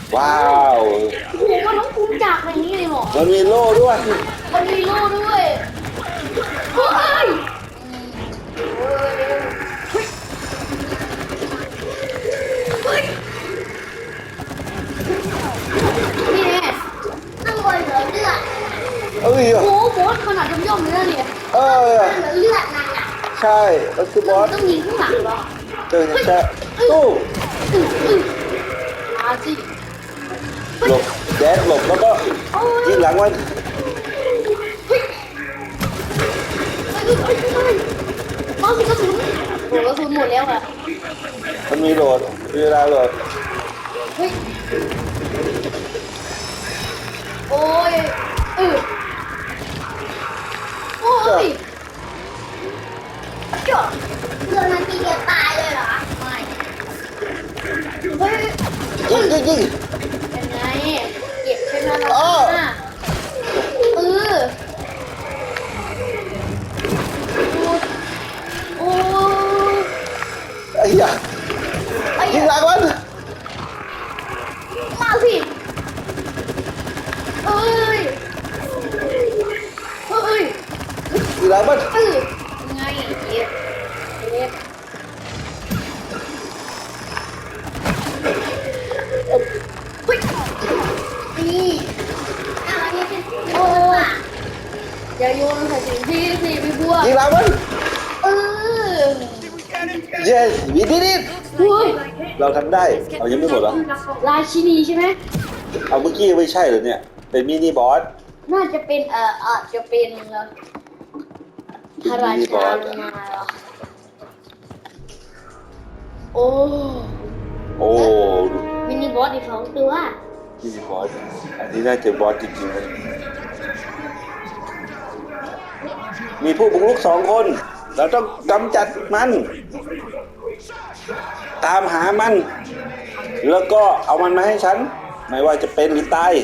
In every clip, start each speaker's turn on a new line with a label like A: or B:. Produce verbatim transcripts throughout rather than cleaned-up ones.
A: ว้าว
B: โอ้โหมันต้องคุ้มจากอะไรนี้เลยหรอ
A: มันมีโล่ด้วย
B: มันมีโล่ด้วยเฮ้ยเฮ้ยนี่แน่ข้างบนเหลือเลือด
A: เอ้ย
B: โอ้โหบอสขนาดย่อมๆเลยนะเนี่ย
A: เออ
B: เหลือเลือดนั่นน่ะ
A: ใช่มันคือบอส
B: ต้องยิงข้างหลังเหรอ
A: เจอใช่ตู้
B: อืออือมาสิ
A: หลบแดดหลบแล้วก็ยิงหลังมัน
B: เฮ้ยเฮ้ยเฮ้ยเฮ้ยมาสิกระสุนโอ้กระสุนหมดแล้วอะ
A: มันมีโหลดมีเวลาโหลด
B: เฮ้ยโอ้ยเออโอ้ยเจ้าเพื่อนมันตีเดียวตายเลยเหรอไม่เฮ้ย
A: ยิงยิงยิง
B: ยังไงเก็บใช่ไหมล่ะ
A: อ้อ
B: เออโอ้ย
A: ไอ้ยา
B: ไอ้
A: ยิงหลังมัน
B: มาสิเอ้ยเอ้ย
A: ยิงหลังมัน
B: เออยังไงเก็บเก็บเฮ้ยนี่อะไรเนี่ยโอ้ยอย่าโยนใส่ถุงพี่สิพี่บัว
A: ยิงหลังมัน
B: เออ
A: yes we did it
B: เฮ้ย
A: เราทำได้เอายังไม่หมดเหรอ
B: ราชินีใช่ไหม
A: เอาเมื่อกี้ไม่ใช่เหรอเนี่ยเป็นมินิบอส
B: น่าจะเป็นเอ่ออาจจะเป็นเอ่อพระราชาลงมาเหรอโอ้
A: โอ้
B: มินิบอสอีกสองตัว
A: มินิบอสอันนี้น่าจะบอสจริงๆเลยมีผู้บุกรุกสองคนเราต้องกำจัดมัน ตามหามัน แล้วก็เอามันมาให้ฉัน ไม่ว่าจะเป็นหรือตาย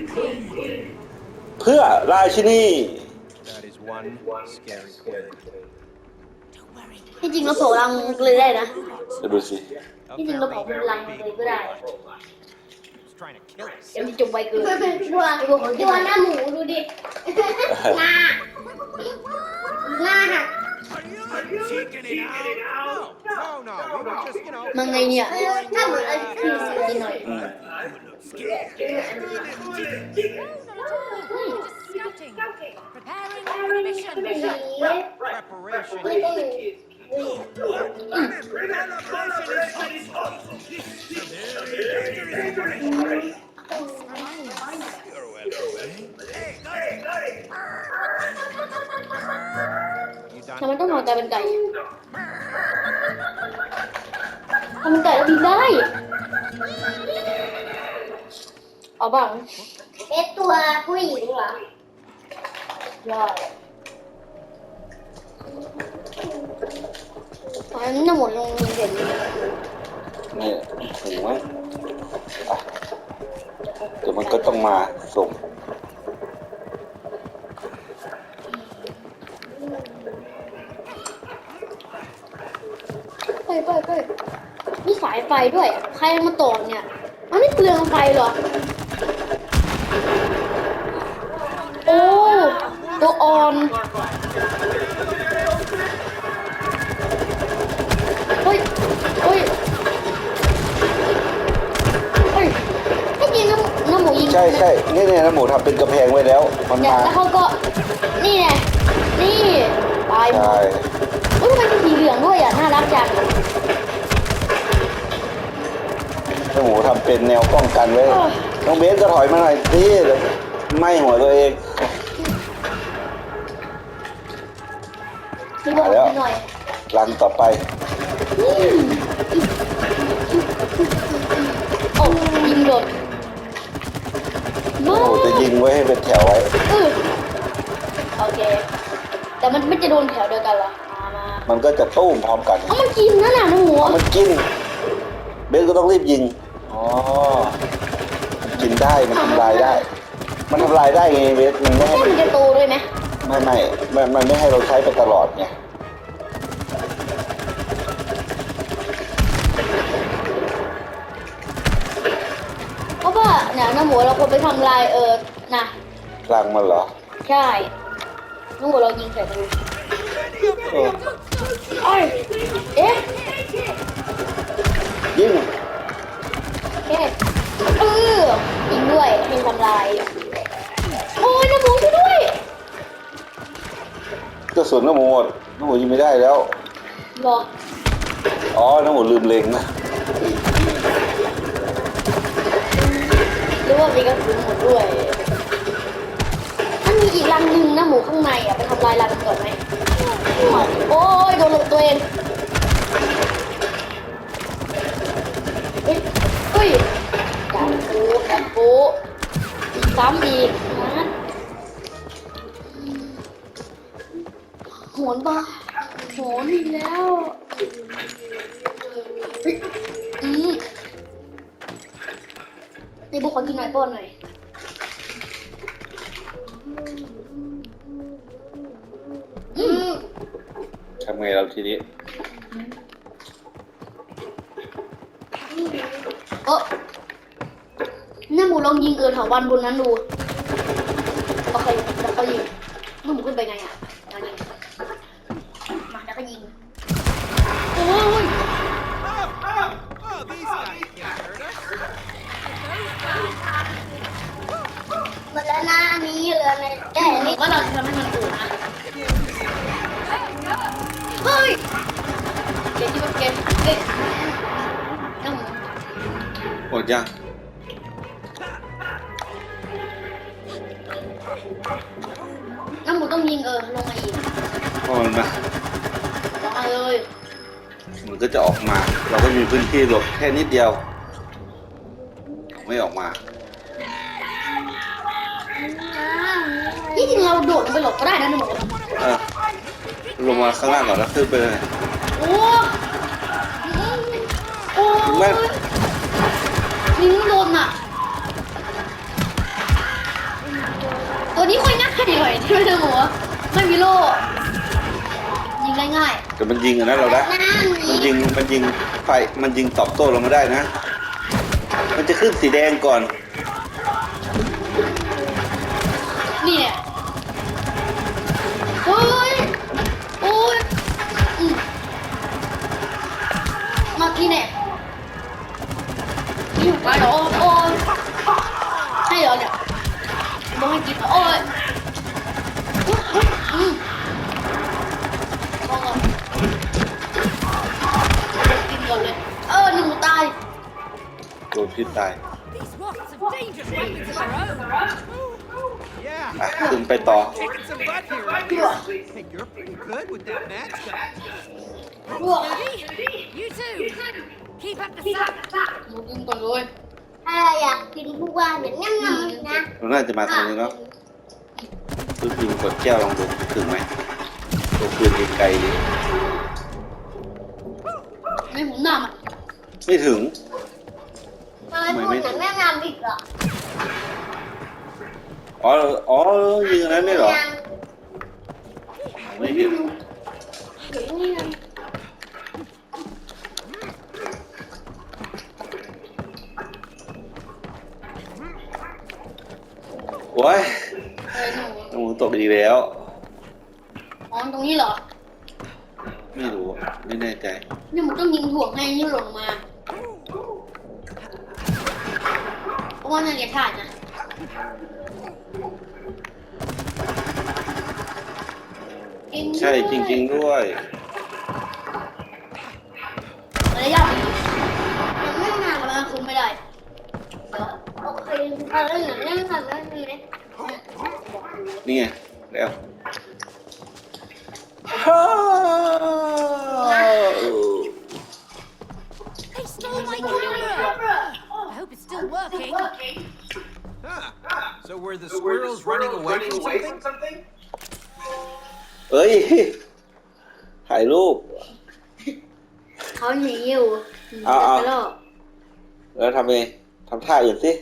A: เพื่อราชินี
C: That is one scary queen.
B: ที่จริงเราเผารังเลยได้นะ
A: จะดูสิ
B: ที่จริงเราเผาเป็นรังเลยก็ได้
C: He's trying to kill us.
B: เดี๋ยวมันจบไวเกินตัวตัวหน้าหมูดูดิหน้าหน้าหัก
C: Cheeking it out? No, no, no. We were just, you know.
B: มันไงเนี่ยถ้าเหมือนกินหน่อย
D: Scouting. Preparing for mission. Preparation.
C: You
B: ทำไม
C: done?
B: ต้องนอนกลายเป็นไก่ทำเป็นไก่แล้วบินได้เอาบ้างเป็นตัวผู้หญิงเหรอยอดตอนนี้จะหมดลงเห็น
A: นี่ถึงไหมอ่ะเดี๋ยวมันก็ต้องมาส่ง
B: ไปไปไปมีสายไฟด้วย ใครเอามาต่อเนี่ยมันไม่เปลืองไฟเหรอ โอ้ตัวอ่อนเฮ้ยเฮ้ยเฮ้ยไม่จริงน้ำน้ำหมูยิง
A: ใช่ใช่นี่เนี่ยนะหมูทำเป็นกระแพงไว้แล้ว มัน
B: เนี่ย
A: มา
B: แล้วเขาก็นี่ไงนี่ตายหม
A: ใช่
B: ดอุ้ยทำไมเป็นสีเหลืองด้วยอ่ะน่ารักจัง
A: นะหมูทำเป็นแนวป้องกันไว้น้องเบสก็ถอยมาหน่อยสิไหม่หัวตัวเอง
B: พี่บอก
A: แล้ว
B: หน่อย
A: รันต่อไป
B: อืมโอ้ยิงโดด
A: โอ้โหจะยิงไว้ให้เป็นแถวไว้
B: เออโอเค แต่มันไม่จะโดนแถวเดียวกันเหรอมามา
A: มันก็จะตุ้มพร้อมกัน
B: เอามันกินนั่นน่ะน้ำหมู
A: มันกิน เบสก็ต้องรีบยิง อ๋อมันกินได้ มันทำลายได้ มันทำลายได้ไงเบสมันไม่
B: แค่
A: ให้
B: มันจะโตด้วยไหม
A: ไม่ไม่มันมันไม่ให้เราใช้ไปตลอดไง
B: เอาไปนะน้ำหมูเราควรไปทำลายเออนะ
A: พลังมันเหรอ
B: ใช่น้ำหมูเรายิงใส่มัน
A: เออ
B: เอ้ยเอ๊ะ
A: ยิง
B: เอ๊ะเออยิงด้วยยิงทำลายโอ้ยน้ำหมูช่วยด้วย
A: กระสุนน้ำหมูหมดน้ำหมูยิงไม่ได้แล้ว
B: หรอ
A: อ๋อน้ำหมูลืมเล็งนะ
B: หรือว่ามีกระสุนหมดด้วยมันมีอีกรังหนึ่งน้ำหมูข้างในอ่ะไปทำลายรังมันก่อนไหมโอ้ยโดนตัวเองเฮ้ยเฮ้ยดันปูดันปูซ้ำอีกนะโหนบ้าโหนอีกแล้วเฮ้ยอืมในบุคคลกินหน่อยป้อนหน่อยอืม
A: ทำไงเราทีนี้
B: เออน้าหมูลองยิงเกินถาวันบนนั้นดูโอเคแล้วก็ยิงน้าหมูขึ้นไปไงอ่ะมายิงมาแล้วก็ยิงโอ้ย
C: Oh, oh, oh, these guys can't hurt us.
B: หมดแล้วนะอันนี้เหลือในแก่นี่ว่าเราจะทำให้มันอู่นะเฮ้ยเกมที่มันเกมเก่งน้าหมู
A: หมดยัง
B: น้าหมูต้องยิงเออลงมาอีก
A: พอมันมา
B: ลงมาเลย
A: มันก็จะออกมา เราก็มีพื้นที่หลบแค่นิดเดียว ไม่ออกมา
B: ที่จริงเราโดดลงไปหลบก็ได้นะหนู
A: เออลงมาข้างล่างก่อนแล้วขึ้นไปเลย
B: โอ้โอ้
A: แม่
B: ยิงโดนอ่ะตัวนี้ค่อยง่ายหน่อยที่ไม่ได้หัวไม่มีโล่ยิงง่าย
A: แต่มันยิงอะนะเราได้
B: ๆนั่น
A: มันยิง มันยิงไฟ มันยิงตอบโต้เราไม่ได้นะ มันจะขึ้นสีแดงก่อน
B: นี่เนี่ยโอ้ยโอ้ยอืมมาที่เนี่ยนี่ไปเหรอโอ้ยให้เหรอเนี่ยบอกให้กินเหรอโอ้ยอืมเอาก่อนกินก่อนเลยเออหนึ่งตาย
A: โดนพิษตาย
D: These wasps have dangerous weapons of their own.
A: อ่ะ
C: Yeah,
A: ขึ้นไปต่อ
C: kicking some butt here. Hey, you're pretty good with that match gun.
D: Ready? You too. Keep up the sun.
B: หมูกินก่อนเลย
E: ถ้าอยากกินทุกวันอย่างงั้นๆนะ
A: เราน่าจะมาทางนี้เนาะคือยิงกดแก้วลองดูถึงไหมตัวปืนไกลๆดิ
B: ไม่หมุนหน้ามัน
A: ไม่ถึง
E: ทำไมพูดหนังแม่งามอีกเหรอ
A: อ๋อ อ๋อ ยิงอันนั้นได้เหรอ ไม่เห็น
E: อย่างนี้นะ
A: โอ้ย
B: เออหนู
A: น้ำหมูตกอีกแล้ว
B: อ๋อตรงนี้เหรอ
A: ไม่รู้อะไม่แน่ใจ
B: นี่มันต้องยิงถ่วงให้นี่หล่นมาเพราะว่าน่าจะพลาดนะ
A: ใช่จริง ๆ ด้วย
B: ระยะดียังไม่นานแล้วคุมไม่ได้เดี๋ยว
E: โอเคเอาเรื่องหนังแม่งามแล้วนี่นะ
A: นี่ไง แล้วฮ่า
D: They stole my camera. I hope it's still working.
C: Huh. So were the squirrels running away from something?
A: เอ้ย ถ่ายรูป
B: เขาหนีอยู่หนี
A: เอาเอา
B: ไปแล้ว
A: แล้วทำไงทำท่าอื่นสิ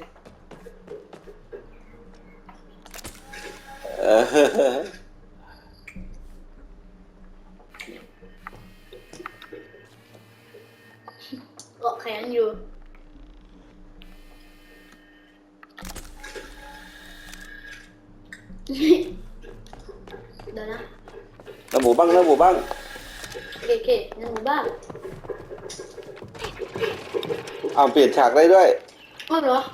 A: เออ
B: เกาะแขนอยู่เดี๋ยวนะ
A: น้ำหมูบ้างน้ำหมูบ้าง
B: โอเคโอเคในหมู่บ้าน
A: อ้าวเปลี่ยนฉากได้ด้วย
B: อ้าวเหรอ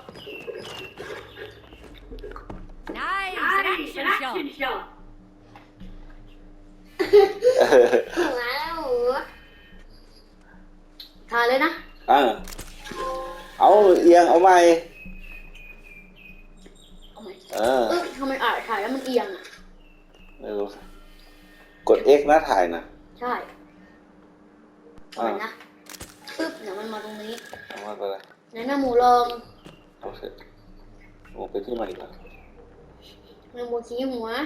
D: Nice action shot.
E: หมูนะหมู
B: ถ่ายเลยนะ
A: อ่าเอาเอียงเอาใหม่
B: เอาใหม่
A: เออ
B: เออทำไมอ่านถ่ายแล้วมันเอียงอ่ะ
A: ไม่รู้กด X นะถ่ายนะ
B: ใช่เอาใหม่นะปึ๊บเดี๋ยวมันมาตรงนี้
A: เอามาไปเลย
B: ในหน้าหมูลอง
A: โอเคโอไปที่ใหม่ก่อน
B: ในหมูชี้หัว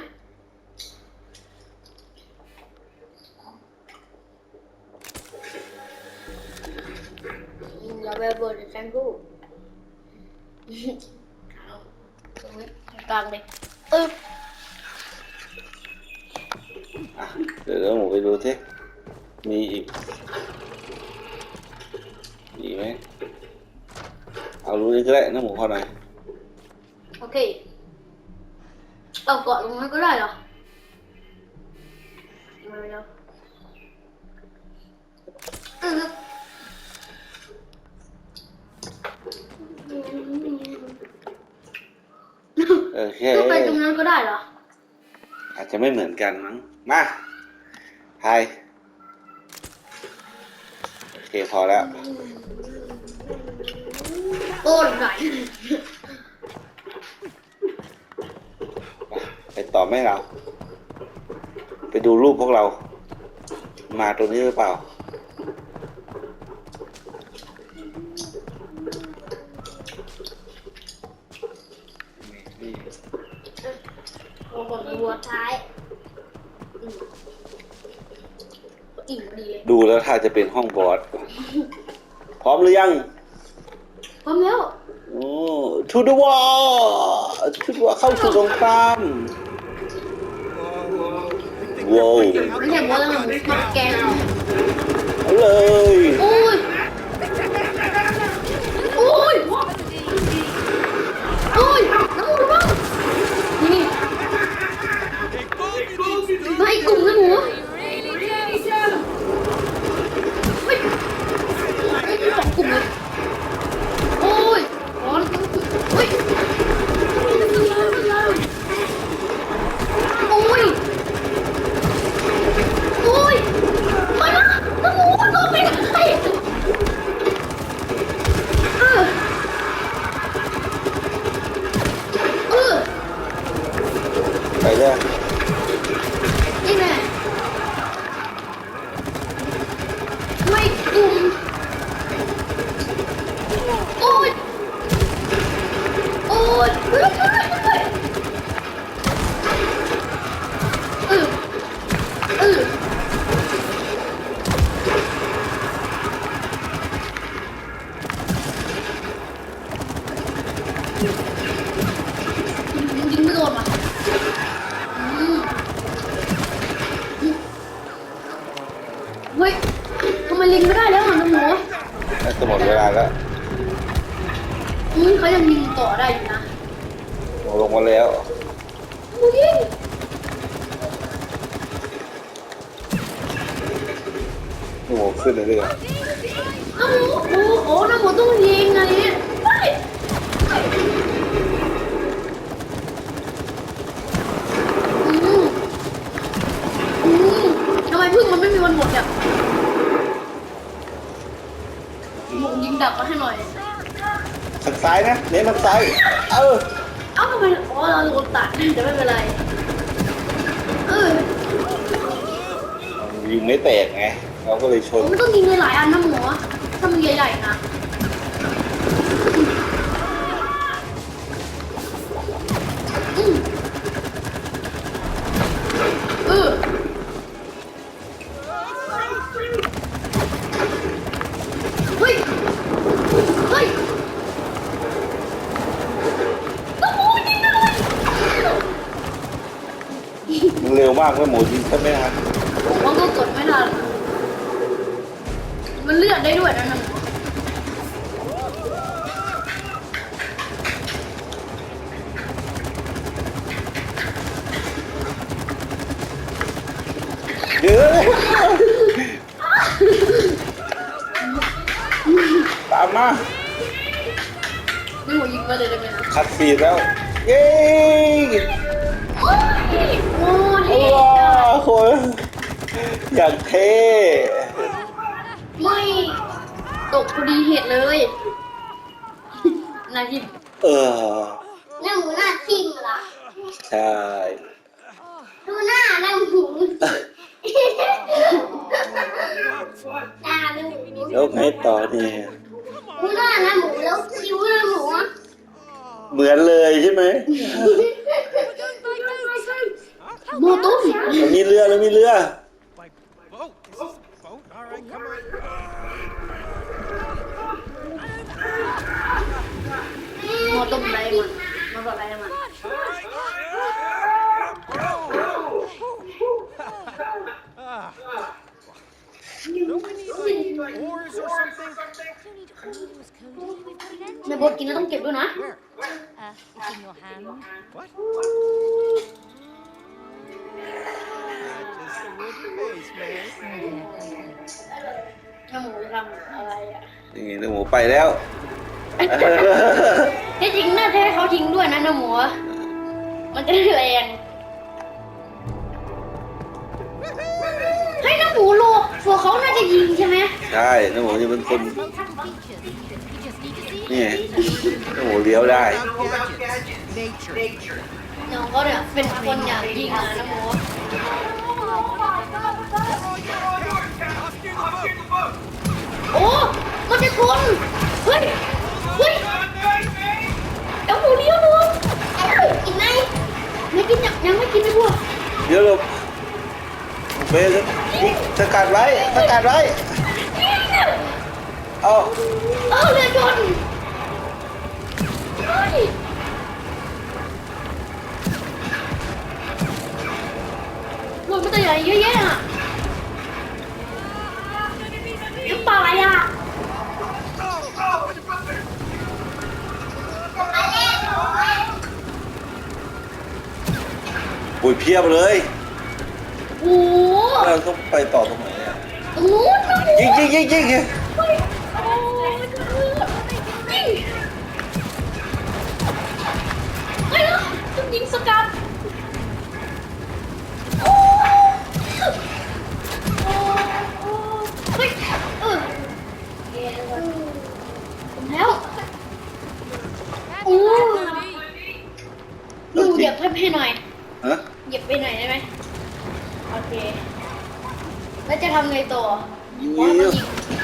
B: อย่าไปเบิร์ดแซงกูเอาตรงนี้ตรงกลางเลยปึ๊บ
A: อ่ะเดี๋ยวเราหมูไปดูที่มีอีกมีไหมเอารู้นี้ก็ได้น้ำหมูพอหน่อย
B: โอเคเอาเกาะตรงนั้นก็ได้เหรอมาเร็วปึ๊บ
A: โอเค
B: ก็ไปตรงนั้นก็ได้เหรอ
A: อาจจะไม่เหมือนกันมั้งมาถ่ายโอเคพอแล้ว
B: โอ้ยไหน
A: ไปต่อไม่เรา ไปดูรูปพวกเรา มาตรงนี้หรือเปล่า นี่
B: โอ้โห
E: หัวท้าย
B: อิ่มดีเลย
A: ดูแล้วถ้าจะเป็นห้องบอส พร้อมหรือยัง
B: พร้อมแล้ว
A: โอ้ to the wall to the wall เข้าสู่สงคราม ว้าว
B: ไม่ใช่บอสแล้วมันมาแกงเอา
A: เอาเลย
B: โอ้ย โอ้ย โอ้ยน้ำหมูบ้างนี่มาอีกกลุ่มนะหมู เฮ้ยไอ้สองกลุ่มเลย โอ้ยร้อนเฮ้ยโอ้ย โอ้ยมาละน้ำหมูมันโดนไปไหนเออเออ
A: ไปเลย
B: นี่แน่ไม่กลุ่มโอ้ย โอ้ยเฮ้ยเฮ้ยเฮ้ยเออเออยิงไม่โดนว่ะอืมเฮ้ยทำไมลิงไม่ได้แล้วอ่ะน้องหมู
A: น่าจะหมดเวลาแล้ว
B: อืมเขายังยิงต่อได้อยู่นะ
A: ลงมาแล้ว
B: หมูยิง
A: โอ้โหขึ้นเลยเลย
B: น้องหมูโอ้โหน้องหมูต้องยิงไงเฮ้ยอืมอืมทำไมพึ่งมันไม่มีวันหมดเนี่ยหมูยิงดักมาให้หน่อย
A: ทางซ้ายนะเน้นทางซ้าย เออ
B: เอ้าทำไมอ๋อเราโดนตัดแต่ไม่เป็นไรเออ
A: ยิงไม่แตกไง เราก็เลยชน
B: มันต้องยิงหลายๆอันนะหมูถ้ามันใหญ่ๆนะอืมเออเฮ้ยเฮ้ยต้องหมูยิงเลย
A: มันเร็วมากเลยหมูยิงแค่ไม่ทัน
B: ผมว่าก็กดไม่ทันมันเลือดได้ด้วยนะนั่น
A: มา
B: นี่หมูยิงมาเลยได้ไหมนะ
A: คัดฟีดแล้ว เย้
B: โอ้ยโอ้เท่
A: ว้าวโหอย่างเท่
B: ไม่ตกพอดีเหตุเลยนาที
A: เออ
E: หน้าหมูหน้าทิ่มเหรอ
A: ใช่
E: ดูหน้าหน้าหมูหน้าหมู
A: แล้วไงต่อเนี่ย
E: ดูหน้าหน้าหมูแล้วคิ้วหน้าหมูอ่ะ
A: เหมือนเลยใช่ไหม
B: โมตุ้ม
A: แล้วมีเรือแล้วมีเรือ
C: Like boat. This is a boat. All right, come on.
B: โมตุ้มไรมันมาบอกอะไรมัน
C: Ah. Don't we need like oars or something?
D: Don't need oars, Cody. We've got an engine.
B: ในบทกินแล้วต้องเก็บด้วยนะ
C: Where?
D: Uh, it's in your hand.
C: What? Just a wooden base, man.
B: น้าหมูทำอะไรอ่ะ
A: นี่ไงน้องหมูไปแล้ว
B: ที่จริงน่าจะให้เขาทิ้งด้วยนะน้าหมูมันจะได้แรงให้น้าหมูโลกตัวเขาน่าจะยิงใช่ไหม
A: ใช่น้องหมูจะเป็นคน
D: Multiple features. You just need to see
A: นี่
D: it.
A: น้องหมูเลี้ยวได้
C: Nature.
B: น้องเขาเนี่ยเป็นคนอยากยิงนะน้าหมู โอ้มันจะชนเฮ้ยเฮ้ยเดี๋ยวหมูเลี้ยวดูกินไหมไม่กินยังยังไม่กินเลยพวก
A: เดี๋ยวเราเบสสกัดไว้สกัดไว้ เอา
B: เออเรือชนเฮ้ยรถมันตัวใหญ่เยอะแยะอ่ะน้ำปลาอะไรอ่ะ
A: ปุ๋ยเพียบเลย
B: โอ้โห
A: เราต้องไปต่อตรงไหนอ่ะ
B: ตรงนู้นนะหมู
A: ยิงยิงยิงยิงยิง
B: เฮ้ยโอ้ยยิงเฮ้ยต้องยิงสกัดโอ้โอ้โอ้เฮ้ยเออผมแล้วโอ้ดูเหยียบให้หน่อย
A: ฮะ
B: เหยียบไปหน่อยได้ไหมโอเค แล้วจะทำไงต่อ
A: ยิง
B: อ๋อ
A: ยิ
B: มัน
A: ง
B: ยิง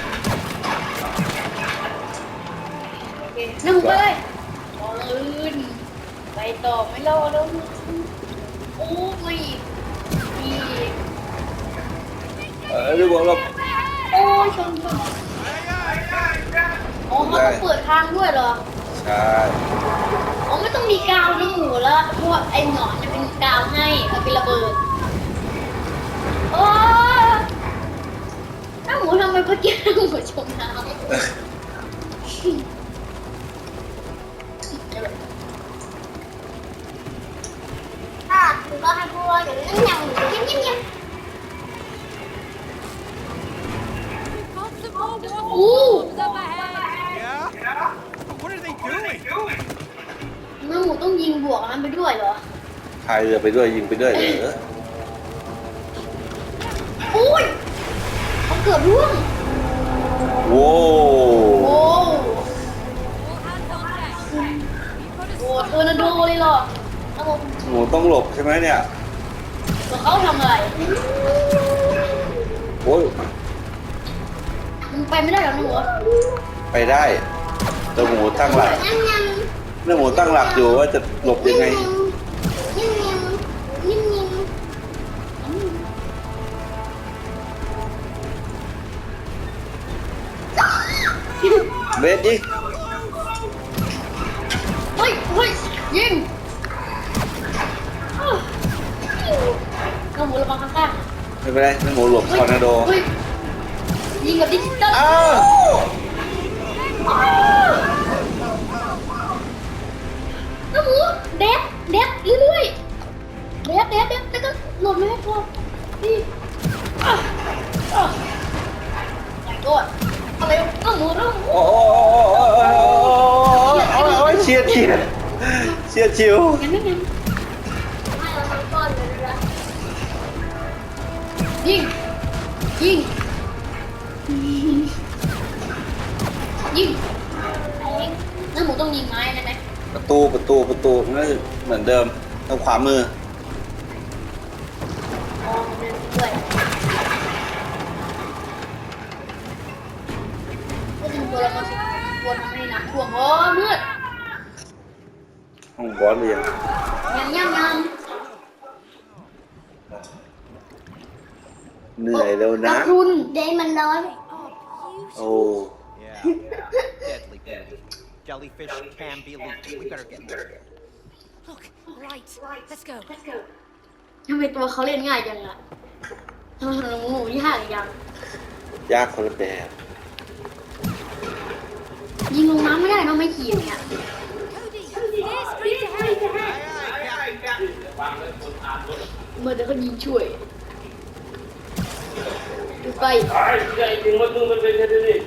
B: โอเคนั่งไปเลยบอลลื่นไปต่อไม่รอแล้วโอ้ไม่อีก
A: เออเดี๋ยวบอกเรา
B: โอ้ยชนชนอ๋อเขาต้องเปิดทางด้วยเหรอ
A: ใช่
B: อ๋อไม่ต้องมีกาวน้ำหมูแล้วเพราะว่าไอ้หนอนจะเป็นกาวให้เอาไประเบิดโอ้น้ำหมูทำไมเมื่อกี้น้ำหมูชมน้ำ
E: อ่ะคุณก็ให้พูดอย่างนั้นอย่างหมูยิ้มยิ้มยิ้ม
D: We've got some more water
B: Ooh.
D: bombs up ahead.
C: Yeah? But what are they doing?
B: น้ำหมูต้องยิงบวกมันไปด้วยเหรอ
A: พายเรือไปด้วยยิงไปด้วยเหรอ
B: โอ้ยเขาเกือบร่วง
A: โว้
B: โอ้
D: All hands on deck. We've got a
B: โหเทอร์นาโดเลยเหรอน้ำหมู
A: หมูต้องหลบใช่ไหมเนี่ย
B: แล้วเขาทำอะไร
A: โอ้ย
B: มันไปไม่ได้หรอน้ำหมู
A: ไปได้แต่หมูตั้งหลัก
E: ยิ้มยิ้ม
A: เนื้อหมูตั้งหลักอยู่ว่าจะหลบยังไง
E: ยิ้มยิ้มยิ้มยิ้ม
A: เบสยิง
B: เฮ้ยเฮ้ยยิงอ้าวน้ำหมูระวังข้าง
A: ไม่เป็นไรเนื้อหมูหลบ
B: ๆ
A: ทอร์นาโด
B: เฮ้ยยิงกับดิจิตอล
A: อ้าว
B: น้ำหมูเด็ดเด็ดเรื่อยๆเด็ดเด็ดเด็ดแล้วก็หล่นไม่ให้พอนี่อ่ะอ่ะใหญ่โดดอะไรน้ำหมูน้ำหมู
A: โอ้โอ้โอ้โอ้เชียดเชียดเชียดชิว
B: งั้นไม่งั้น
E: ให้เราทั้งก้อนเลยนะ
B: ยิงยิงยิงน้าหมูต้องยิงไม้ได้ไหม
A: ประตูประตูประตูนั่นเหมือนเดิมทางขวามือ
B: อ๋อเดินด้วยก็ดึงตัวเรามาสิตัวทำให้น้ำท่วมโอ้มืด
A: ห้องบอสเรียน
B: ยำยำย
A: เหนื่อยแล้ว
B: ำ
A: นะ
B: รุน
E: เดย์มันร้อน
A: โอ้
C: Yeah. Deadly good. Jellyfish can be lethal. We better get moving.
D: Look, right. Let's go.
B: ทำไมตัวเขาเล่นง่ายจังอะทำไมหมูยากจัง
A: ยากคนละแบบ
B: ยิงลงน้ำไม่ได้เนาะไม่ขี่เนี่ย
D: Cody, here's free to help.
B: เมื่อเดี๋ยวเขายิงช่วยดูไป
F: ไอ้ใหญ่จริงมันมึงมันเป็นแค่นี้นี่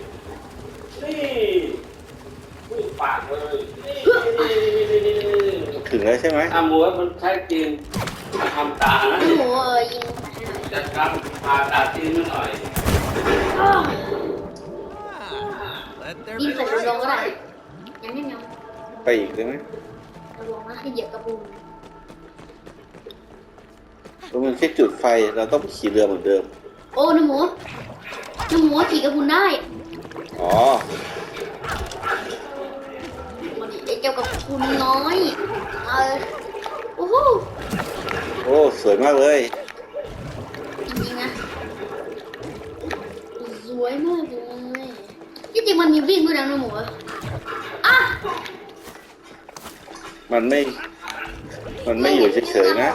F: พูดปากเลยนี่นี่นี่นี่นี่
A: ถึงแล้วใช่ไหม
F: ทำหัวมันใช้จริงทำตานะ
B: หมูเออยิงไปให้หน่อย
F: จัดการผ่าตาจีนนิดหน่อย
B: อ้าว
C: Ah, let there
B: ยิง
C: be
B: ใส่
C: light.
B: ลงก็ได้ยังไม่ยัง
A: ไปอีกได้ไหม
B: ระวังนะให้เหยียบกระปุก
A: ตรงมันแค่จุดไฟเราต้องไปขี่เรือเหมือนเดิม
B: โอ้น้ำหมูน้ำหมูขี่กระปุกได้
A: อ๋อ
B: มาดิไอ้เจ้ากระปุกน้อยเออโอ้โห
A: โอ้สวยมากเลย
B: จริงๆนะสวยมากเลยที่จริงมันมีวิ่งด้วยนะน้ำหมูอ่ะ
A: มันไม่ มันไม่อยู่เฉยๆนะ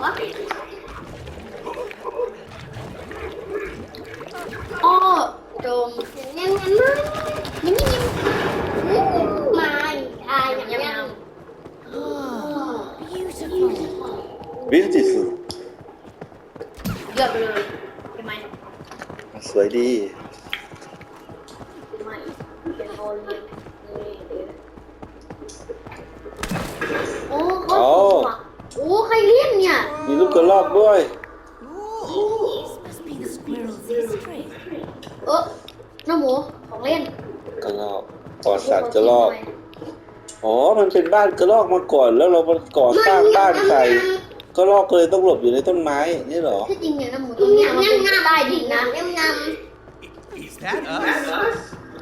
B: อ้อโดม
E: ยังยังไม่
B: ยังยัง
E: มาอาย
B: ยัง
E: ยั
B: ยัง
E: ง
B: ยัง
D: Beautiful.
A: วิวจิสุ
B: เกือบไปเลยใช่ไหม
A: สวยดี
B: ไม่เป็นโอเลี้ยงโอ้เขาโอ้ใครเลี้ยงเนี่ย
A: มีลูกกระรอกด้วย
D: This must be the squirrel's history.
B: เออน้าหมูของเล่น
A: กระรอกปอดสัตว์กระรอก อ๋อ มันเป็นบ้านกระรอกมาก่อน แล้วเรามาก่อสร้างบ้านใส่กระรอกก็เลยต้องหลบอยู่ในต้นไม้ นี่เหรอ
B: ที่จริงเนี่ยน้าหมูตรงเนี้ยมันเป็นใต้ดินนะ
E: ยังยัง
C: Is that us?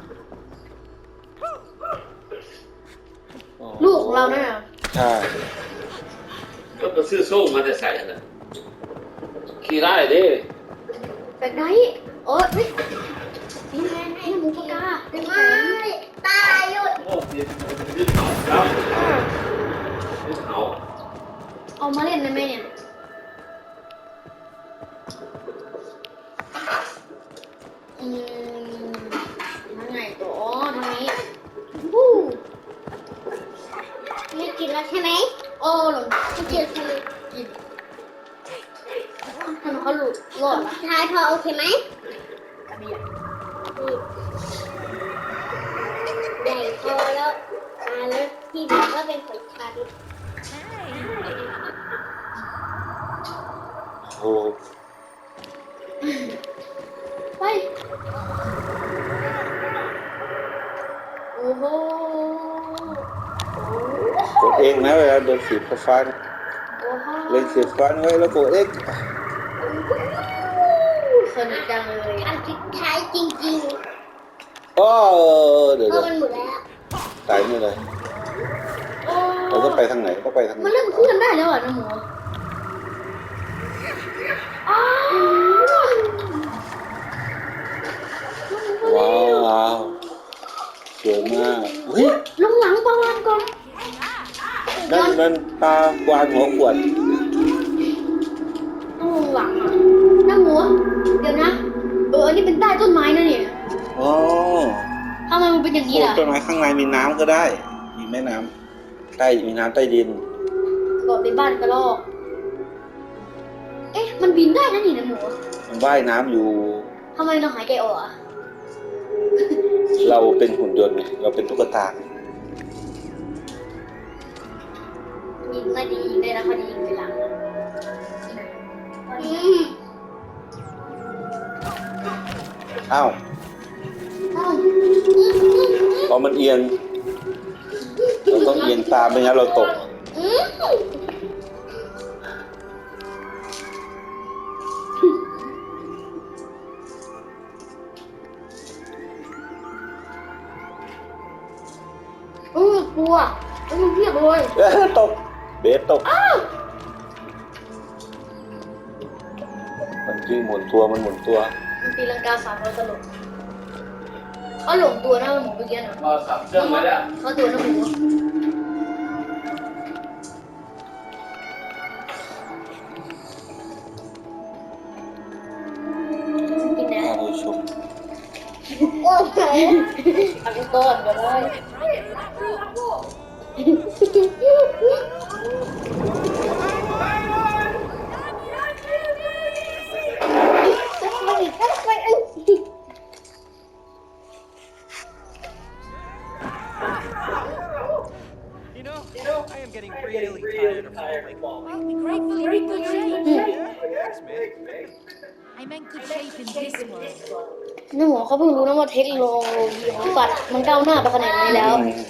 B: ลูกของเราเนี่ย
A: ใช่
F: ก็ไปซื้อโซ่มาแต่ใส่นะขี่ได้ดิ
B: แบบไหนโอ้ยเฮ้ยนี่ไงน้าหมูปากกาเป็นไง
E: ไม่ตายหยุด
F: โอ้ยยึดเขาแล้วยึดเขา
B: เอามาเล่นได้ไหมเนี่ยอืมทางไหนตัวอ๋อทางนี้วู้
E: ไม่กินแล้วใช่ไหม
B: โอ้หลง
E: ไม่กินใช่ไหม
B: กินทำไมเขาหลุดรอดละ
E: ทายพอโอเคไหม
B: กระเบียด
E: ใหญ่พอแล้วอ่าแล้วที่เหลือก็เป็นของฉัน
A: โอ้
B: ไปโอ้โห
A: กดเองนะเวลาโดนสีฟ้าๆนะ
B: โอ้โห
A: เล่นสีฟ้าไว้แล้วกดเอ็ก
B: สนุกจังเลย
E: อันสุดท้ายจริง
A: อ๋อเดี๋ยว
E: ๆเพ
A: เดี๋ยว
E: ราะมันหมดแล้ว
A: ตายไม่เลย
B: โอ้
A: เราต้องไปทางไหนต้องไปทางไหน
B: มันเริ่มเคลื่อนได้แล้วอ่ะน้ำหมูอ้าว
A: ว้าวสวยมากเฮ้ย
B: ลงหลังประวานก่อน
A: นั่นมันปลากวางหัวขวด
B: ต้องลงหลังอ่ะน้ำหมูเดี๋ยวนะเอออันนี้เป็นใต้ต้นไม้นะเนี่ย
A: อ๋อ
B: ทำไมมันเป็นอย่างนี้
A: ปลูก
B: ล่ะ
A: ต้นไม้ข้างในมีน้ำก็ได้ มีแม่น้ำใต้มีน้ำใต้ดิน
B: ก่อนเป็นบ้านกระรอกเอ๊ะมันบินได้นะนี่น้ำหมู
A: มันว่ายน้ำอยู่
B: ทำไมเราหายใจออกอ่ะ
A: เราเป็นหุ่นยนต์ไงเราเป็นตุ๊กตา
B: อยิงไม่ดียิงได้นะพอดียิงไปหลังอืม
A: อ้าว
B: อ้าว
A: พอมันเอียงเราต้องเอียงตามไม่งั้นเราตก
B: อืมอืมกลัวอืมเพียบเลย
A: ตกเบสตก
B: อ้าว
A: มันจริงหมุนตัวมันหมุนตัว
B: มันตีลังกาสามร้อยตลบเขาหลงตัวนะหมูเมื่อกี้นะ
F: ก็สับเครื่องไว้แล้ว
B: เขาตัวนะหมูกินนะ
A: โอ้ยชม
B: โอ้ยอันนี้ก้อนก็ได้
C: You know, I am getting really tired of falling.
D: Well, be grateful you're in good shape.
C: Yeah, thanks, man.
D: I meant good shape in this world.
B: นี่หมอเขาเพิ่งรู้นะว่าเทคโนโลยีของสัตว์มันก้าวหน้าไปขนาดนี้แล้ว